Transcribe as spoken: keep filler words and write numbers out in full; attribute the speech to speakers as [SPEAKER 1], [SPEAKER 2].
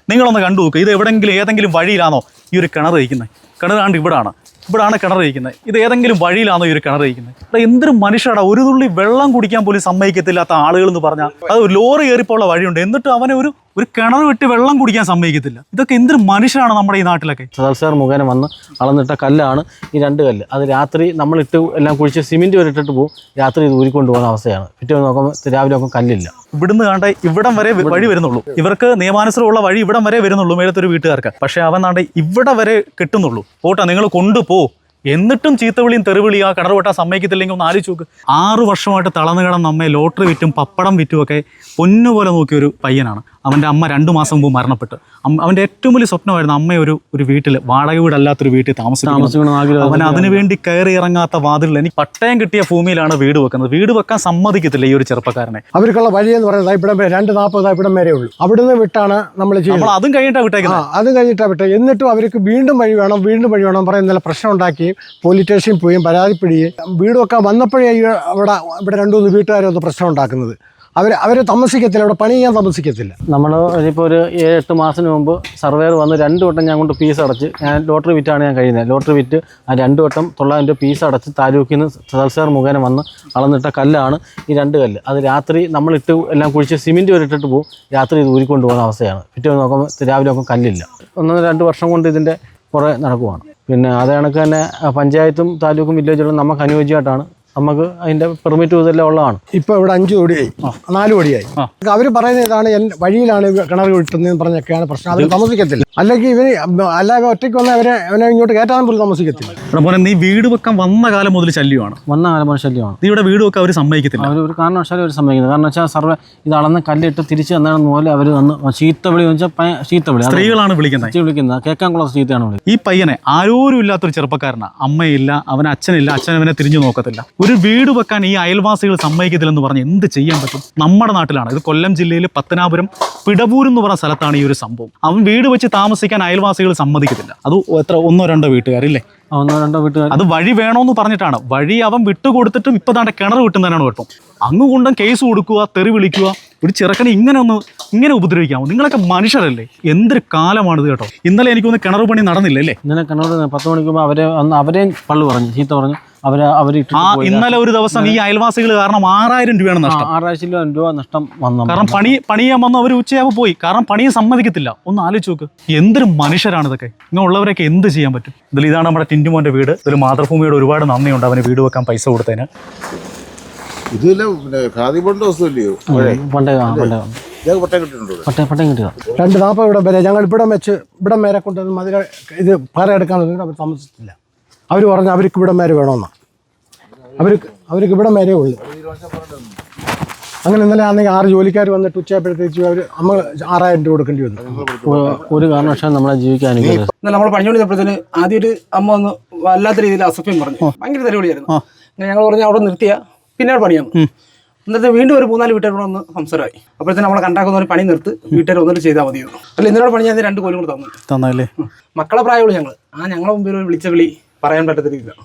[SPEAKER 1] നിങ്ങളൊന്ന് കണ്ടു നോക്കുക. ഇത് എവിടെയെങ്കിലും ഏതെങ്കിലും വഴിയിലാണോ ഈ ഒരു കിണർ ഇരിക്കുന്നത്? കിണറാണ്ട് ഇവിടാണ് ഇവിടാണ് കിണർ ഇരിക്കുന്നത്. ഇത് ഏതെങ്കിലും വഴിയിലാണോ ഈ ഒരു കിണർ ഇരിക്കുന്നത്? അത് എന്തൊരു മനുഷ്യടാ, ഒരു തുള്ളി വെള്ളം കുടിക്കാൻ പോലും സമ്മതിക്കത്തില്ലാത്ത ആളുകൾ എന്ന് പറഞ്ഞാൽ അത് ലോറി കയറിപ്പോള്ള വഴിയുണ്ട്, എന്നിട്ട് അവനെ ഒരു ഒരു കിണർ വിട്ട് വെള്ളം കുടിക്കാൻ സമ്മതിക്കത്തില്ല. ഇതൊക്കെ എന്തൊരു മനുഷ്യനാണ് നമ്മുടെ ഈ നാട്ടിലൊക്കെ.
[SPEAKER 2] സദാൽ സാർ മുഖേന വന്ന് അളന്നിട്ട കല്ലാണ് ഈ രണ്ട് കല്ല്. അത് രാത്രി നമ്മളിട്ട് എല്ലാം കുഴിച്ച് സിമെൻറ്റ് വരെ ഇട്ടിട്ട് പോകും, രാത്രി ഇത് ഊരിക്കൊണ്ട് പോകുന്ന അവസ്ഥയാണ്. പിറ്റേ നോക്കുമ്പോൾ രാവിലെ നോക്കുമ്പോൾ കല്ലില്ല.
[SPEAKER 1] ഇവിടുന്ന് കണ്ട ഇവിടം വരെ വഴി വരുന്നുള്ളൂ. ഇവർക്ക് നിയമാനുസൃതമുള്ള വഴി ഇവിടം വരെ വരുന്നുള്ളൂ മേലത്തൊരു വീട്ടുകാർക്ക്. പക്ഷേ അവൻ നാണ്ട് ഇവിടെ വരെ കിട്ടുന്നുള്ളൂ. പോട്ടാ നിങ്ങൾ കൊണ്ടുപോ, എന്നിട്ടും ചീത്തവിളിയും തെറിവിളിയും ആ കിണർ വെട്ടാൻ സമ്മതിക്കത്തില്ലെങ്കിൽ ഒന്ന് ആലോചിച്ച് നോക്ക്. ആറ് വർഷമായിട്ട് തളർന്നു കിടന്ന് നമ്മെ ലോട്ടറി വിറ്റും പപ്പടം വിറ്റുമൊക്കെ പൊന്നുപോലെ നോക്കിയൊരു പയ്യനാണ്. അവൻ്റെ അമ്മ രണ്ടു മാസം മുമ്പ് മരണപ്പെട്ട്. അവൻ്റെ ഏറ്റവും വലിയ സ്വപ്നമായിരുന്നു അമ്മ ഒരു ഒരു വീട്ടിൽ, വാടക വീടല്ലാത്തൊരു വീട്ടിൽ താമസിക്കണം. അവൻ അതിനുവേണ്ടി കയറി ഇറങ്ങാത്ത വാതിലിൽ എനിക്ക് പട്ടയം കിട്ടിയ ഭൂമിയിലാണ് വീട് വെക്കുന്നത്. വീട് വെക്കാൻ സമ്മതിക്കത്തില്ല ഈ ഒരു ചെറുപ്പക്കാരനെ.
[SPEAKER 3] അവർക്കുള്ള വഴി എന്ന് പറയുന്നത് ഇവിടം വരെ രണ്ട് നാൽപ്പത് ഇവിടം വരെ ഉള്ളൂ. അവിടുന്ന് വിട്ടാണ് നമ്മൾ ചെയ്യുന്നത്.
[SPEAKER 1] അതും കഴിഞ്ഞിട്ടാണ് വിട്ടേക്കുന്നത്.
[SPEAKER 3] അതും കഴിഞ്ഞിട്ടാണ് വിട്ടത്. എന്നിട്ടും അവർക്ക് വീണ്ടും വഴി വേണം വീണ്ടും വഴി വേണം പറയും. ഇന്നലെ പ്രശ്നം ഉണ്ടാക്കി പോലീസ് സ്റ്റേഷനിൽ പോയും പരാതിപ്പെടുകയും വീട് വെക്കാൻ വന്നപ്പോഴേ അവിടെ ഇവിടെ രണ്ടു മൂന്ന് വീട്ടുകാരൊന്ന് പ്രശ്നം ഉണ്ടാക്കുന്നത്. അവർ അവർ താമസിക്കത്തില്ല, അവിടെ പണി ചെയ്യാൻ താമസിക്കത്തില്ല.
[SPEAKER 2] നമ്മൾ ഇപ്പോൾ ഒരു ഏഴ് എട്ട് മാസത്തിന് മുമ്പ് സർവേർ വന്ന് രണ്ട് വട്ടം ഞാൻ കൊണ്ട് ഫീസ് അടച്ച്, ഞാൻ ലോട്ടറി വിറ്റാണ് ഞാൻ കഴിയുന്നത്. ലോട്ടറി വിറ്റ് ആ രണ്ട് വട്ടം തൊള്ളായിരം രൂപ ഫീസ് അടച്ച് താലൂക്കിൽ നിന്ന് സദാൽ സാർ മുഖേന വന്ന് അളന്നിട്ട കല്ലാണ് ഈ രണ്ട് കല്ല്. അത് രാത്രി നമ്മളിട്ട് എല്ലാം കുഴിച്ച് സിമെൻറ്റ് വരെ ഇട്ടിട്ട് പോകും, രാത്രി ഇത് ഊരിക്കൊണ്ട് പോകുന്ന അവസ്ഥയാണ്. പിറ്റേ നോക്കുമ്പോൾ രാവിലെ നോക്കുമ്പോൾ കല്ലില്ല. ഒന്നര രണ്ട് വർഷം കൊണ്ട് ഇതിൻ്റെ കുറേ നടക്കുവാണ്. പിന്നെ അത് കണക്ക് തന്നെ പഞ്ചായത്തും താലൂക്കും വില്ലേജുകളും നമുക്ക് അനുയോജ്യമായിട്ടാണ്. നമുക്ക് അതിന്റെ പെർമിറ്റ് ഇതെല്ലാം ഉള്ളതാണ്.
[SPEAKER 3] ഇപ്പൊ ഇവിടെ അഞ്ചു കോടിയായി, നാല് കോടിയായി. അവർ പറയുന്നത് ഇതാണ് വഴിയിലാണ് കിണർ കിട്ടുന്നതെന്ന് പറഞ്ഞൊക്കെയാണ് പ്രശ്നം. അവർ താമസിക്കത്തില്ല. അല്ലെങ്കിൽ ഇവര് അല്ലാതെ ഒറ്റയ്ക്ക് വന്നാൽ അവരെ അവനെ ഇങ്ങോട്ട് കയറ്റാൻ പോലും താമസിക്കത്തില്ല.
[SPEAKER 1] അതുപോലെ നീ വീട് വെക്കാൻ വന്ന കാലം മുതൽ ശല്യമാണ്.
[SPEAKER 2] വന്ന കാലം മുതൽ ശല്യമാണ്.
[SPEAKER 1] നീ ഇവിടെ വീട് വെക്കാൻ അവർ സമ്മതിക്കത്തില്ല.
[SPEAKER 2] അവർ ഒരു കാരണവശാലും അവർ സമ്മതിക്കുന്നത്. കാരണം വെച്ചാൽ സർവേ ഇത് അളന്ന് കല്ലിട്ട് തിരിച്ച് തന്നാണെന്ന് പോലെ അവർ വന്ന് ചീത്തവിളി വെച്ചാൽ ചീത്തവിളി
[SPEAKER 1] സ്ത്രീകളാണ് വിളിക്കുന്നത്.
[SPEAKER 2] വിളിക്കുന്നത് കേൾക്കാൻ കൊള്ള ചീത്തയാണ് വിളിക്കുന്നത്.
[SPEAKER 1] ഈ പയ്യനെ ആരോരും ഇല്ലാത്തൊരു ചെറുപ്പക്കാരനാണ്. അമ്മയില്ല, അവന് അച്ഛനില്ല, അച്ഛൻ അവനെ തിരിഞ്ഞു നോക്കത്തില്ല. ഒരു വീട് വെക്കാൻ ഈ അയൽവാസികൾ സമ്മതിക്കത്തില്ലെന്ന് പറഞ്ഞ് എന്ത് ചെയ്യാൻ പറ്റും? നമ്മുടെ നാട്ടിലാണ് ഇത്. കൊല്ലം ജില്ലയിൽ പത്തനാപുരം പിടപൂർ എന്ന് പറഞ്ഞ സ്ഥലത്താണ് ഈ ഒരു സംഭവം. അവൻ വീട് വെച്ച് താമസിക്കാൻ അയൽവാസികൾ സമ്മതിക്കത്തില്ല. അത് എത്ര ഒന്നോ രണ്ടോ വീട്ടുകാരില്ലേ?
[SPEAKER 2] ഒന്നോ രണ്ടോ വീട്ടുകാർ.
[SPEAKER 1] അത് വഴി വേണോന്ന് പറഞ്ഞിട്ടാണ്. വഴി അവൻ വിട്ടുകൊടുത്തിട്ടും ഇപ്പൊ താണ്ടെ കിണർ വിട്ടുന്നതിനാണ് കുഴപ്പം. അങ്ങ് കൊണ്ടും കേസ് കൊടുക്കുക, തെറി വിളിക്കുക. ഒരു ചെറുക്കനെ ഇങ്ങനെ ഒന്ന് ഇങ്ങനെ ഉപദ്രവിക്കാമോ? നിങ്ങളൊക്കെ മനുഷ്യരല്ലേ? എന്തൊരു കാലമാണിത് കേട്ടോ. ഇന്നലെ എനിക്കൊന്ന് കിണർ പണി നടന്നില്ലല്ലേ?
[SPEAKER 2] ഇന്നലെ കിണർ പത്ത് മണിക്കുമ്പോൾ അവരെ അന്ന് അവരെയും പള്ളു പറഞ്ഞു, ചീത്ത പറഞ്ഞു. അവര് അവർ
[SPEAKER 1] ആ ഇന്നലെ ഒരു ദിവസം ഈ അയൽവാസികൾ കാരണം ആറായിരം രൂപയാണ് നഷ്ടം.
[SPEAKER 2] ആറായിരം രൂപ നഷ്ടം വന്നു.
[SPEAKER 1] കാരണം പണി പണിയാൻ വന്നു അവർ ഉച്ചയാകുമ്പോൾ പോയി. കാരണം പണിയെ സമ്മതിക്കത്തില്ല. ഒന്ന് ആലോചിച്ച് നോക്ക്, എന്തൊരു മനുഷ്യരാണ് ഇതൊക്കെ. ഇങ്ങനെ ഉള്ളവരൊക്കെ എന്ത് ചെയ്യാൻ പറ്റും? ഇതിൽ ഇതാണ് നമ്മുടെ ടിൻറ്റുമോന്റെ വീട്. ഇതിൽ മാതൃഭൂമിയോട് ഒരുപാട് നന്ദിയുണ്ട് അവന് വീട് വെക്കാൻ പൈസ കൊടുത്തതിന്.
[SPEAKER 3] രണ്ട് നാൽപ്പത് ഇവിടം വരെ ഞങ്ങൾ ഇവിടം വെച്ച് ഇവിടം വരെ കൊണ്ടുവന്ന് മതിൽ ഇത് പാറ എടുക്കാൻ അവർ താമസിച്ചില്ല. അവർ പറഞ്ഞു അവർക്ക് ഇവിടം വരെ വേണമെന്നാണ്. അവർക്ക് അവർക്ക് ഇവിടം വരെ ഉള്ളു. അങ്ങനെ ഇന്നലെ ആണെങ്കിൽ ആറ് ജോലിക്കാർ വന്നിട്ട് ഉച്ചയായപ്പോഴത്തേക്ക് അവർ നമ്മൾ ആറായിരം രൂപ കൊടുക്കേണ്ടി വന്നു.
[SPEAKER 2] ഒരു കാരണവശാലും നമ്മളെ ജീവിക്കാൻ
[SPEAKER 4] നമ്മൾ പണിഞ്ഞുകൊണ്ടിരുന്നപ്പോഴത്തേന് ആദ്യം ഒരു അമ്മ ഒന്ന് വല്ലാത്ത രീതിയിൽ അസഭ്യം പറഞ്ഞു. ഭയങ്കര തെരുവിളിയായിരുന്നു. അങ്ങനെ ഞങ്ങൾ പറഞ്ഞാൽ അവിടെ നിർത്തിയ പിന്നീട് പണിയാണ്. എന്നിട്ട് വീണ്ടും ഒരു മൂന്നാല് വീട്ടുകാർ ഒന്ന് സംസാരമായി. അപ്പോഴത്തേന് നമ്മളെ കണ്ടാക്കുന്ന ഒരു പണി നിർത്ത് വീട്ടുകാർ വന്നിട്ട് ചെയ്താൽ മതിയായിരുന്നു. അല്ല ഇന്നലെ പണി ഞാൻ രണ്ട് കോലും കൂടെ തന്നു തന്നല്ലേ. മക്കളെ പ്രായമുള്ളൂ ഞങ്ങൾ. ആ ഞങ്ങളെ മുമ്പിൽ വിളിച്ച വിളി പറയാൻ പറ്റത്തില്ല.